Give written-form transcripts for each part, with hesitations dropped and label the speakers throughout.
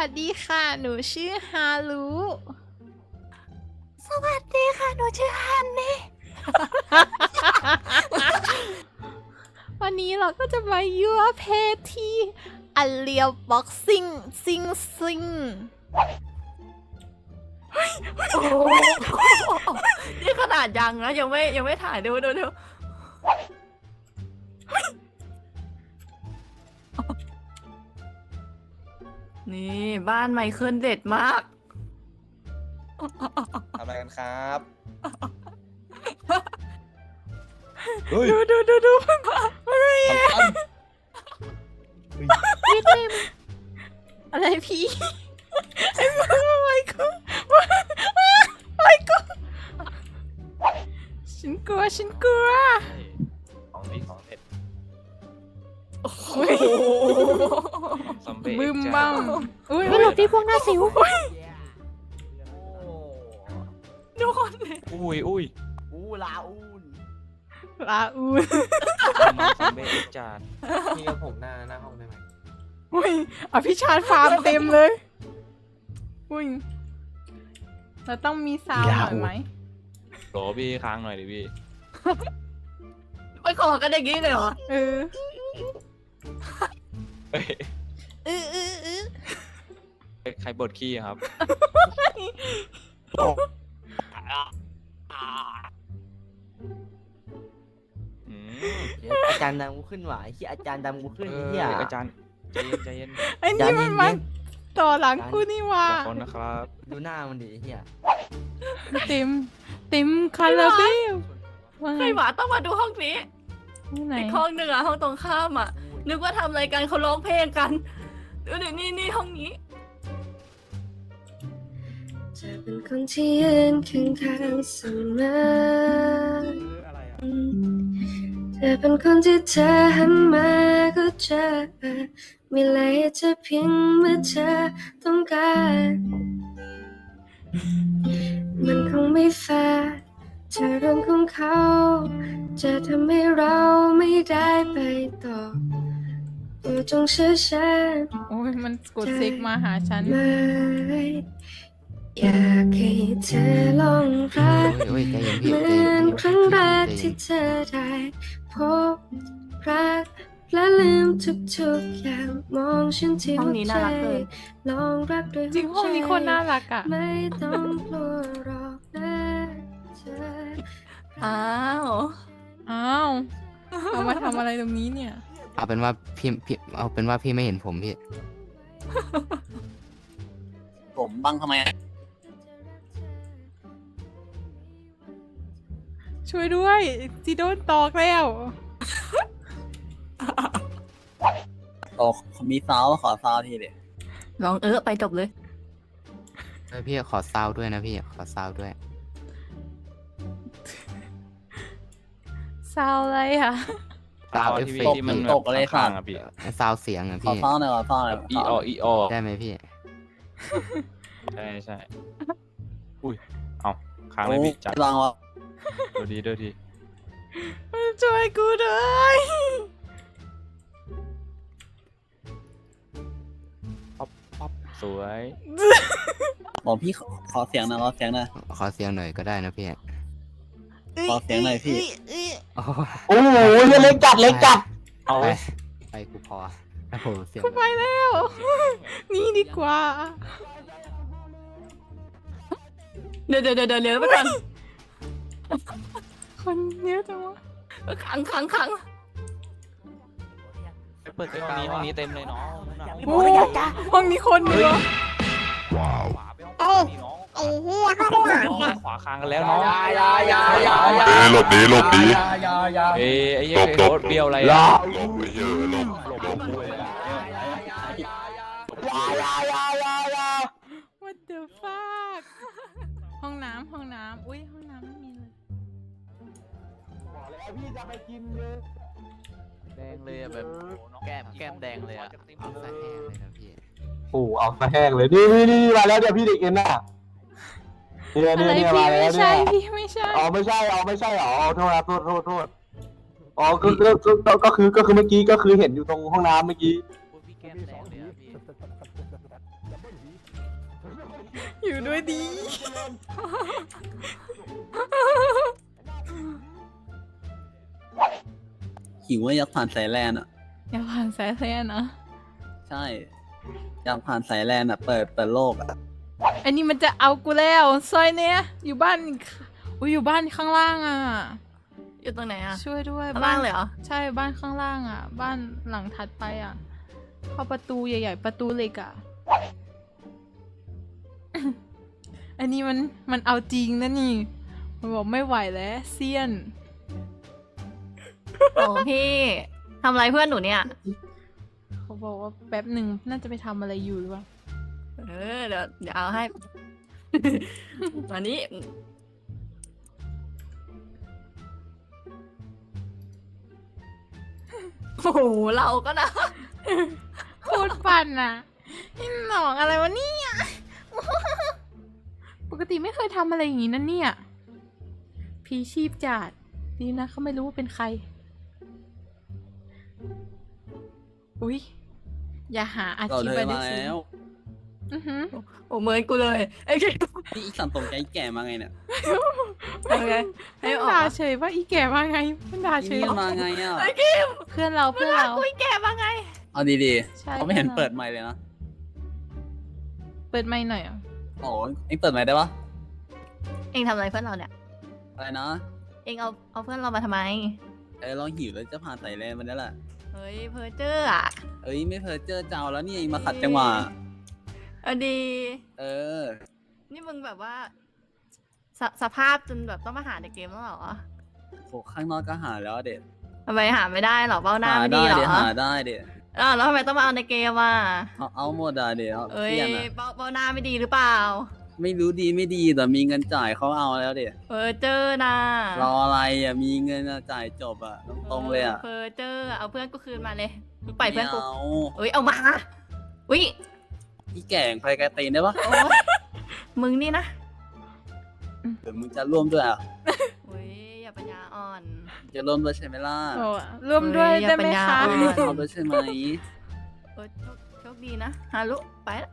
Speaker 1: วัสดีค่ะ หนูชื่อฮารุ
Speaker 2: สวัสดีค่ะ หนูชื่อฮันนี่
Speaker 1: วันนี้เราก็จะมายั่วเพศที่อันเลียวบ็อกซิ่งซิง
Speaker 2: นี่ขนาดยังนะยังไม่ถ่ายดูนี่บ้านไมเคิลเด็ดมาก
Speaker 3: ทำอะไรกันครับ
Speaker 1: ดู
Speaker 3: ทำกัน
Speaker 1: อะไรพี่ ไอ้มึงไอ้กูฉันกลัว
Speaker 3: ของดีของเด็ด
Speaker 1: อุ้ย
Speaker 3: ซอมบี้
Speaker 1: บึ้มบ้างอุ้ย
Speaker 4: ไม่หลบที่พวกหน้าสิว
Speaker 2: ดูคนเลย
Speaker 3: อุ้ย
Speaker 1: ลาอูน
Speaker 3: น้องซอมบี้จาน
Speaker 5: พี่กับผมหน้าห้องได้ไหม
Speaker 1: อุ้ยอภิชาติฟาร์มเต็มเลย อุ้ยเราต้องมีซาวด์หน่อยไหม
Speaker 3: โหลพี่ค้างหน่อยดิพี่
Speaker 2: ไปขอกันอย่างนี้เลยเหรอ
Speaker 1: เออ
Speaker 3: เฮ้ย
Speaker 1: เออ
Speaker 3: ใครบดขี้อะครับ อืม
Speaker 5: อาจารย์ดำกูขึ้นหวายที่อาจารย์ดำกูขึ้น
Speaker 3: เอ
Speaker 5: ไอ้
Speaker 3: อ
Speaker 5: เหี้ย
Speaker 3: อาจารย์ใจเย็น
Speaker 1: ไอ้นี่มันมาต่อหลังกูนี่ว่า
Speaker 3: ขอบคุณนะครับ
Speaker 5: ดูหน้ามันดิไอ้เหี้ย
Speaker 1: เต็มคาราเบลว่าไง
Speaker 2: ใครหวาต้องมาดูห้องนี้
Speaker 1: ที่ไหน
Speaker 2: อีกห้องหนึ่งอะห้องตรงข้ามอะนึกว่าทำอะไรกันเขาร้องเพลงกันดูดินี่ห้องนี้
Speaker 6: จะเป็นคนที่ยืนข้างๆเสมอจะเป็นคนที่เธอหันมาก็เจอมีอะไรจะเพียงเมื่อเธอต้องการมันคงไม่แฟร์เธอเรื่องของเขาจะทำให้เราไม่ได้ไปต่อตัวจงเชื่อฉัน
Speaker 1: โอ้ยมันกดซิกมาหาฉัน
Speaker 6: ไม่อยากให้เธอลองรัก
Speaker 5: โอ้ยใจเย็นพี่
Speaker 6: เหมื
Speaker 5: ใจ
Speaker 6: อ
Speaker 5: เย็
Speaker 6: น
Speaker 5: น
Speaker 6: ครั้งแรกที่เธอได้พบรักและลืมทุกๆอย่างมองฉันที่
Speaker 2: ห้อง
Speaker 6: หัว
Speaker 2: นี้
Speaker 6: ใจ
Speaker 2: น่ารักเลย
Speaker 6: ลองรักด้วย
Speaker 1: จริงห้องนี้โคนน่ารักอ่ะ
Speaker 6: ไม่ต้องกลัวหรอกนะเธอ
Speaker 2: อ้าว
Speaker 1: อ้าวเอามาทำอะไรตรงนี้เนี่ย
Speaker 5: เอาเป็นว่าพี่เอาเป็นว่าพี่ไม่เห็นผมพี่
Speaker 7: ผมบังทำไม
Speaker 1: ช่วยด้วยจีโดนตอกแล้ว
Speaker 7: โอ้มีซาวขอซาวทีเดียว
Speaker 2: ลองไปจบเลย
Speaker 5: เฮ้ยพี่ขอซาวด้วยนะพี่ขอซาวด้วย
Speaker 1: ซาวอะไรอ่ะ
Speaker 5: ซาวเอฟเฟกต์
Speaker 3: ที่มัน
Speaker 7: ตกอะไร
Speaker 3: ข้า
Speaker 7: ค่ะ
Speaker 3: งๆอะพี่
Speaker 5: ซาวเสียงอ่ะ
Speaker 7: ขอ
Speaker 5: พี่
Speaker 7: ซาวหน่อยขอซาวหน่อย
Speaker 3: อีออ
Speaker 5: ได้ไหมพี่
Speaker 3: ใช่อุ้ยเอาค้างเลย
Speaker 7: โอ้
Speaker 3: พี่จัด
Speaker 7: ลองวะ
Speaker 3: ดูดี
Speaker 1: ช่วยกูด้วย
Speaker 3: ป๊อปสวย
Speaker 7: บอกพี่ขอเสียงหน่อยขอเสียงหน่อย
Speaker 5: ขอเสียงหน่อยก็ได้นะพี่
Speaker 7: ขอเสียงหน่อยพี่
Speaker 5: โอ้
Speaker 7: โอ้โหเล็กจัด
Speaker 3: เอา
Speaker 5: ไปกูพอโอ้โหเสียง
Speaker 1: กูไปแล้ว นี่ดีกว่า
Speaker 2: เดี๋ยวเลี้ยวไปก่อน
Speaker 1: คนเยอะจังวะ
Speaker 2: ขัง
Speaker 3: เปิดห้องนี้เต็มเลยน้อง
Speaker 1: โอ้ห้องนี้คนเยอะ
Speaker 3: เอ้าไอ้เหี้ยขวาค้างกันแล้วน้อง
Speaker 8: หลบดี
Speaker 3: ไอ้เหี้ยโคตรเบี้ยวอะไรอะ
Speaker 8: หลบไปเยอะหลบ
Speaker 1: What the fuck ห้องน้ำอุ้ยห้องน้ำไม่มีเลย
Speaker 5: แดงเลยอะแบบแก้มแดงเลยอะเอาซะแห้งเลยนะพี่
Speaker 9: โอ้เอาซะแห้งเลยนี่มาแล้วเนี่ยพี่เด็กเอ็นน่ะเนี่ย
Speaker 1: อะไร
Speaker 9: เนี่ย
Speaker 1: พี่
Speaker 9: มาแล้ว
Speaker 1: ไม่
Speaker 9: เนี่
Speaker 1: ใช่
Speaker 9: ย
Speaker 1: พี่ไม่ใช่
Speaker 9: อ๋อไม่ใช่อ๋อโทษครับโทษอ๋อก็คือเมื่อกี้ก็คือเห็นอยู่ตรงห้องน้ำเมื่อกี้
Speaker 5: พี่แก้มแดงเลยอะพี่
Speaker 1: อยู่ด้วยดี
Speaker 7: หิวว่าอยากผ่านสายแลนอ่ะ
Speaker 1: อย่าผ่านสายแลนนะ
Speaker 7: ใช่ อยากผ่านสายแลนอ่ะ เปิดโลกอ่ะ
Speaker 1: อันนี้มันจะเอากูแล้วซอยเนี้ยอยู่บ้านอุ้ยอยู่บ้านข้างล่างอ่ะ
Speaker 2: อยู่ตรงไหนอะ
Speaker 1: ช่วยด้วย
Speaker 2: ข้างล่างเลยเหรอ
Speaker 1: ใช่บ้านข้างล่างอ่ะ บ้านหลังถัดไปอ่ะ เข้าประตูใหญ่ๆประตูเหล็กอ่ะ อันนี้มันเอาจริงนะนี่ มันบอกไม่ไหวแล้วเซียน
Speaker 2: โอ้พี่ทำอะไรเพื่อนหนูเนี่ย
Speaker 1: เขาบอกว่าแป๊บหนึ่งน่าจะไปทำอะไรอยู่หรือเปล่า
Speaker 2: เดี๋ยวเอาให้ วันนี้ โอ้โหเราก็นะ
Speaker 1: โคตรปั่นอ่ะนี่หนองอะไรวะเนี่ย ปกติไม่เคยทำอะไรอย่างนี้นะเนี่ย พีชีพจัดดีนะเขาไม่รู้ว่าเป็นใคร อุ๊ย อย่าหาอา
Speaker 7: เรา
Speaker 1: ชีพ
Speaker 7: เธ
Speaker 1: ไป
Speaker 7: อ
Speaker 1: ได้
Speaker 7: มา
Speaker 1: สิ
Speaker 7: แล้ว
Speaker 1: อือหือ
Speaker 2: โอ้เหมือนกูเลยไอ้แก
Speaker 7: นี่อีกสันตรงใจแก่มาไงเนี่ย
Speaker 2: เอาไงให้
Speaker 1: เพื่อน
Speaker 2: ออก
Speaker 1: ด่า
Speaker 2: มา
Speaker 1: เฉยว่าอีแก่มาไงเพื่อนด่าเฉ
Speaker 7: นี่
Speaker 1: ย
Speaker 7: มาไงอ่ะ
Speaker 2: ไอ้กิม
Speaker 1: เพื่อนเรา
Speaker 2: เว
Speaker 1: เพื่อน
Speaker 2: ลา
Speaker 1: เรา
Speaker 2: คุยแก่มาไง
Speaker 7: เอาดี
Speaker 1: ใช่
Speaker 7: ๆเขาไม่เห็น
Speaker 1: เพื่อนเรา
Speaker 7: เปิดไมค์เลยนะ
Speaker 1: เปิดไมค์หน่อยอ่ะ
Speaker 7: โอ้เอ็งเปิดไมค์ได้ปะ
Speaker 2: เองทำอะไรเพื่อนเราเนี่ย
Speaker 7: อะไรนะ
Speaker 2: เองเอาเพื่อนเรามาทำไม
Speaker 7: ลองหิวแล้วจะผ่านสายแลนมันได้แหละ
Speaker 2: เฮ้ยเพอเจอร์อะ
Speaker 7: เอ้ยไม่เพอเจอเจ้าแล้วนี่เองมาขัดจังหวะ
Speaker 2: เอาดี
Speaker 7: เออ
Speaker 2: นี่มึงแบบว่าสภาพจนแบบต้องมาหาในเกมแล้วเหรอ
Speaker 7: โหข้างนอกก็หาแล้วเด็ด
Speaker 2: ทำไมหาไม่ได้เหรอเบ้าหน้า
Speaker 7: หา
Speaker 2: ไม่
Speaker 7: ได้
Speaker 2: ดีเหรอ
Speaker 7: เด็ดหาได้เด็ด
Speaker 2: แล้วทำไมต้องมาเอาในเกมอ่ะ
Speaker 7: เอาหมดอ่ะเด็ด
Speaker 2: เอ้ย
Speaker 7: เพี้ยนอ่ะ
Speaker 2: เบ้าหน้าไม่ดีหรือเปล่า
Speaker 7: ไม่รู้ดีไม่ดีแต่มีเงินจ่ายเขาเอาแล้วเด็ด
Speaker 2: เพอเจอร์นะ
Speaker 7: รออะไรอ่ะมีเงินอะจ่ายจบอ่ะตรงๆเลยอ่ะ
Speaker 2: เพอเจอร์เอาเพื่อนกูคืนมาเลยมึงปล่อยเพื่อนกู
Speaker 7: ไม่เอา
Speaker 2: เอ้ยเอามาอุ้ย
Speaker 7: พี่แก่งไปไกลตีนได้ปะ
Speaker 2: โอ๊ยมึงนี่นะ
Speaker 7: เดี๋ยวมึงจะร่วมด้วยอ่ะ
Speaker 2: อุ้ยอย่าปัญญาอ่อน
Speaker 7: จะร่วมด้วยใช่ไหมล่ะ
Speaker 1: โอ้ร่วมด้วย
Speaker 2: เฮ้ยอย่า
Speaker 1: ได้ไหม
Speaker 2: ปัญญา
Speaker 1: คะ
Speaker 2: อ่อน
Speaker 7: เอาด้วยใช่ไหม
Speaker 2: เออโชคดีนะฮารุไปละ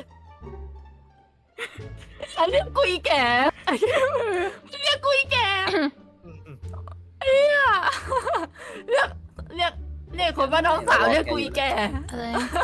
Speaker 2: ฉันเรียกกุยแก่เรียกกุยแก่เรียกเรียกคนว่าน้องสาวเรียกกุยแก่
Speaker 1: อะไร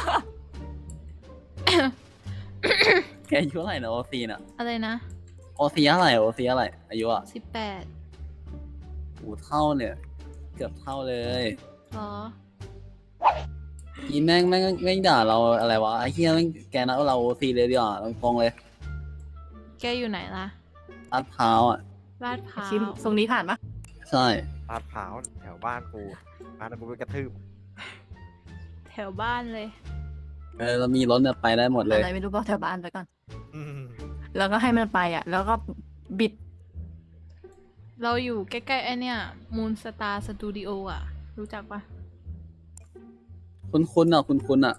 Speaker 7: แกอายุเท่าไหร่นะโอซีน่ะ
Speaker 1: อะไรนะ
Speaker 7: โอซีเท่าไหร่โอซีเท่าไหร่อายุอ่ะ
Speaker 1: 18
Speaker 7: โอ้เท่าเนี่ย เกือบเท่าเลย
Speaker 1: หรอ
Speaker 7: อีแม่งไม่ด่าเราอะไรวะไอ้เฮียแม่งแกนัดเราโอซีเลยดีกว่าตรงๆเลย
Speaker 1: แกอยู่ไหนล่ะ
Speaker 7: ลาดพร้าวอ่ะ
Speaker 1: ลาดพร้า
Speaker 2: ชิม
Speaker 1: ว
Speaker 2: ทรงนี้ผ่านปะ
Speaker 7: ใช่
Speaker 9: ลาดพร้าวแถวบ้านกูบ้านกูไปกระทืบ
Speaker 1: แถวบ้านเลย
Speaker 7: เรามีรถเนี่ยไปได้หมดเลย
Speaker 2: อะไรไม่รู้บอกแถวบ้านไปก่อน
Speaker 9: อืม
Speaker 2: แล้วก็ให้มันไปอ่ะ แล้วก็บิด
Speaker 1: เราอยู่ใกล้ๆไอเนี่ยมูนสตาร์สตูดิโออ่ะ รู้จักปะ
Speaker 7: คุ้นๆอ่ะคุ้นๆอ่ะ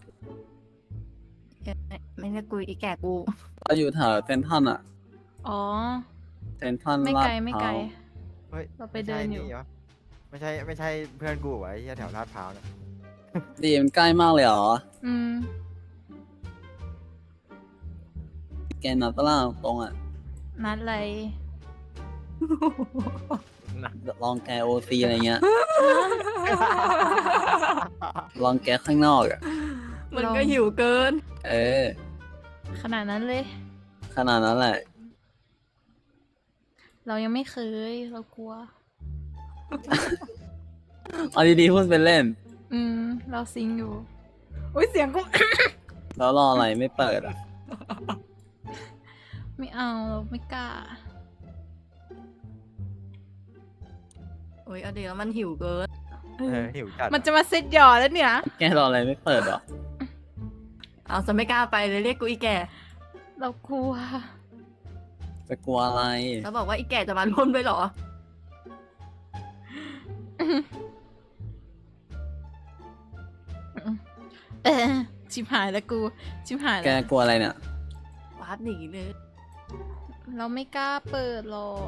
Speaker 2: ไม่เรียกกุยอีแก่กู
Speaker 7: เราอยู่แถวเซนทรัลอ่ะ
Speaker 1: อ๋อ
Speaker 7: เซนทรัล
Speaker 1: ไม่
Speaker 7: ลาด
Speaker 1: ไกลไม่
Speaker 7: พ
Speaker 1: ไกล
Speaker 7: ร้าว
Speaker 9: เฮ้ย
Speaker 1: เราไปเดินอยู่
Speaker 9: วะไม่ใช่เพื่อนกูเหรอไอ้เหี้ยแถวลาดพร้าวเนี่ย
Speaker 7: ดีมันใกล้มากเลยเหรอ
Speaker 1: อืม
Speaker 7: แกนัดตลาดตรงอ่ะ
Speaker 1: นัดอะไร
Speaker 7: ลองแกโอซีอะไรเงี้ย ลองแกข้างนอกอ่ะ
Speaker 2: มันก็หิวเกิน
Speaker 7: เออ
Speaker 1: ขนาดนั้นเลย
Speaker 7: ขนาดนั้นแหละ
Speaker 1: เรายังไม่เคย เรากลัว
Speaker 7: เอาดีๆพูดเป็นเล่น
Speaker 1: อืม เราซิงอยู่ อุ้ยเสียงกู
Speaker 7: แล้วรออะไรไม่เปิดอ่ะ
Speaker 1: ไม่เอาเราไม่กล้า
Speaker 2: โอ้ยเอาเดี๋ยวมันหิวเกิน
Speaker 9: หิวจัด
Speaker 1: มันจะมาเซ็ตหยอแล้วเนี่ย
Speaker 7: แกรออะไรไม่เปิดเหรอ
Speaker 2: เอาจะไม่กล้าไปเลยเรียกกูอีแก่
Speaker 1: เรากลัว
Speaker 7: จะกลัวอะไร
Speaker 2: แล้วบอกว่าอีแก่จะมาร่วมด้วยเหรอ
Speaker 1: เออชิบหายแล้วกู ชิบหาย
Speaker 7: แก
Speaker 1: แล้ว
Speaker 7: กลัวอะไรเนี่ย
Speaker 2: วาร์ปหนีเลย
Speaker 1: เราไม่กล้าเปิดหรอก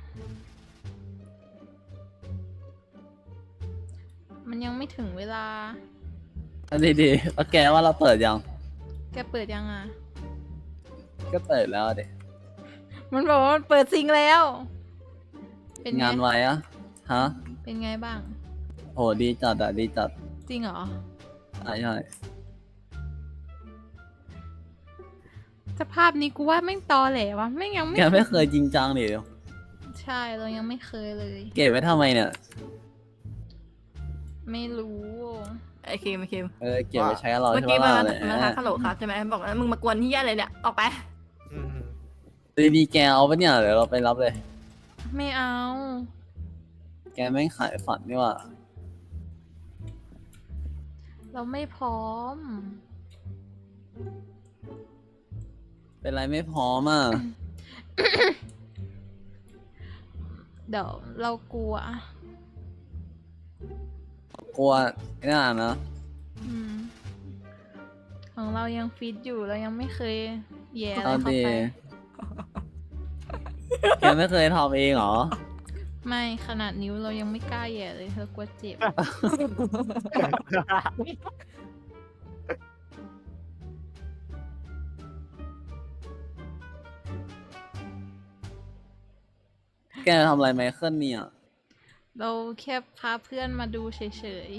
Speaker 1: มันยังไม่ถึงเวลา
Speaker 7: เอาดีๆแล้วแกว่าเราเปิดยัง
Speaker 1: แกเปิดยังอ่ะ
Speaker 7: ก็เปิดแล้วเด็
Speaker 1: มันบอกว่ามันเปิดซิงแล้ว เป็นไง
Speaker 7: งานไว้อะฮะ
Speaker 1: เป็นไงบ้าง
Speaker 7: โหดีจัดอะดีจัด
Speaker 1: จริงเหรอ
Speaker 7: ใช่ใช่
Speaker 1: สภาพนี้กูว่าแม่งตอแหลวะแม่งยังไม่
Speaker 7: แกไม่เคยจริงจังดิ
Speaker 1: ใช่เรายังไม่เคยเลย
Speaker 7: เก็บไว้ทำไมเนี่ย
Speaker 1: ไม่รู้
Speaker 2: ไอ้คิมไอ้คิม
Speaker 7: เก็บไว้ใช้กับเรา
Speaker 2: เมื่อ
Speaker 7: ใช่
Speaker 2: กี้
Speaker 7: ไหม
Speaker 2: มัน
Speaker 7: ล่ะ
Speaker 2: มันทักฮัลโหลครับใช่ไหมบอกว่ามึงมากวนที่อะไรเนี่ยออกไป
Speaker 7: ดีแกเอาปะเนี่ยเดี๋ยวเราไปรับเลย
Speaker 1: ไม่เอา
Speaker 7: แกไม่งขายฝันนี่หว่า
Speaker 1: เราไม่พร้อม
Speaker 7: เป็นไรไม่พร้อมอ่ะ
Speaker 1: เดี๋ยวเรากลัว
Speaker 7: กลัวไม่น่านะ
Speaker 1: อืมของเรายังฟิตอยู่เรายังไม่เคยแย่อะไร
Speaker 7: เอา
Speaker 1: เข้า
Speaker 7: ดี
Speaker 1: ไป
Speaker 7: แกไม่เคยทำเองเหรอ
Speaker 1: ไม่ขนาดนิ้วเรายังไม่กล้าแย่เลยเรากลัวเจ็บ
Speaker 7: แกทำอะไรไมเคิลเนี่ย
Speaker 1: เราแค่พาเพื่อนมาดูเฉย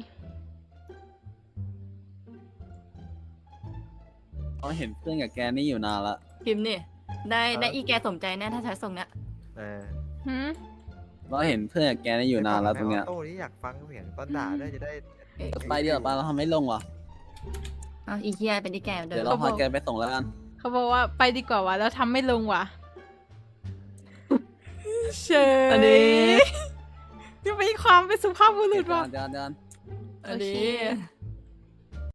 Speaker 7: เราเห็นเพื่อนกับแกนี่อยู่นานละ
Speaker 2: คิมนี่ได้อีแกสมใจแน่ถ้าใช้ทรงเนี้ย
Speaker 1: ๆหืม
Speaker 7: เราเห็นเพื่อนกับแกนี่อยู่นานแล้วตรงเนี้ย
Speaker 3: โต้นี่อยากฟังเสียงตอนด่าด้วยจะได้
Speaker 7: ไปเดี๋ยวไปเราทำไม่ลงวะ
Speaker 2: เอาอีเกียเป็นอีแกเดิ
Speaker 7: เดี๋ยว
Speaker 2: ม
Speaker 7: เราพาแกไปส่งแล้วกัน
Speaker 1: เขาบอกว่าไปดีกว่าวะแล้วทำไม่ลงว่ะเฉย
Speaker 2: อันนี้
Speaker 1: นี่เป็นความเป็นสุภาพบุรุษว่ะ
Speaker 7: เดี๋ยว
Speaker 2: อันนี้
Speaker 1: โอเค